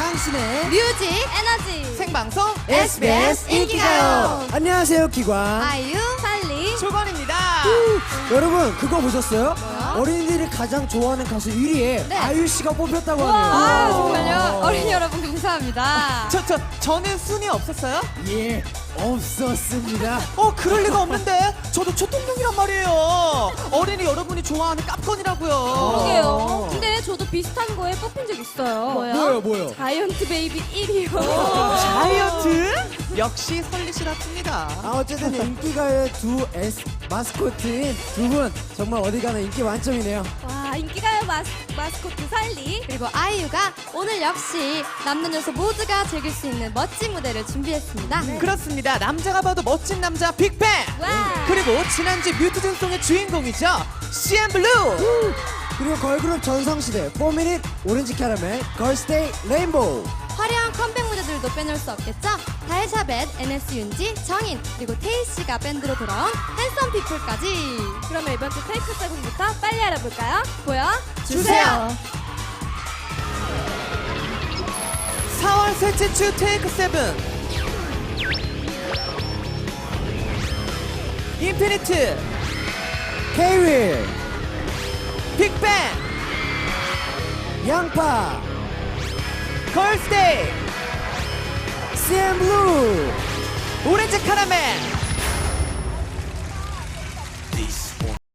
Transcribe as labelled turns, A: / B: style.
A: 당신의
B: 뮤직 에너지
C: 생방송
A: SBS 인기가요. 안녕하세요, 기관.
B: 아이유 살리
C: 조건입니다.
A: 여러분, 그거 보셨어요?
B: 뭐요?
A: 어린이들이 가장 좋아하는 가수 1위에
B: 네.
A: 아이유 씨가 뽑혔다고
B: 아
A: 하네요.
B: 정말요? 어린이 여러분 감사합니다.
C: 저는 순위 없었어요?
A: 예, 없었습니다.
C: 그럴 리가 없는데 저도 초통령이란 말이에요. 어린이 여러분이 좋아하는 깝건이라고요.
B: 그러게요. 근데 저도 비슷한 거에 뽑힌 적 있어요.
A: 뭐요?
B: 자이언트 베이비 1위요.
C: 자이언트? 역시 설리시랍습니다.
A: 어쨌든 인기가요의 두 마스코트인 두 분 정말 어디 가나 인기 만점이네요.
B: 와 인기가요 마스코트 살리 그리고 아이유가 오늘 역시 남녀노소 모두가 즐길 수 있는 멋진 무대를 준비했습니다.
C: 그렇습니다. 남자가 봐도 멋진 남자 빅뱅.
B: 와.
C: 그리고 지난주 뮤트즌송의 주인공이죠. CN블루.
A: 그리고 걸그룹 전성시대 4미닛 오렌지 캐러멜 걸스데이 레인보우.
B: 화려한 컴백 무대들도 빼놓을 수 없겠죠? 달샤벳, NS 윤지, 정인, 그리고 테이씨가 밴드로 돌아온 핸섬 피플까지. 그러면 이번 주 테이크 7부터 빨리 알아볼까요? 보여주세요.
C: 4월 셋째 주 테이크 7. 인피니트,
A: K-윌,
C: 빅뱅,
A: 양파,
C: 걸스데이,
A: CN블루.
C: 오렌지 카라멜.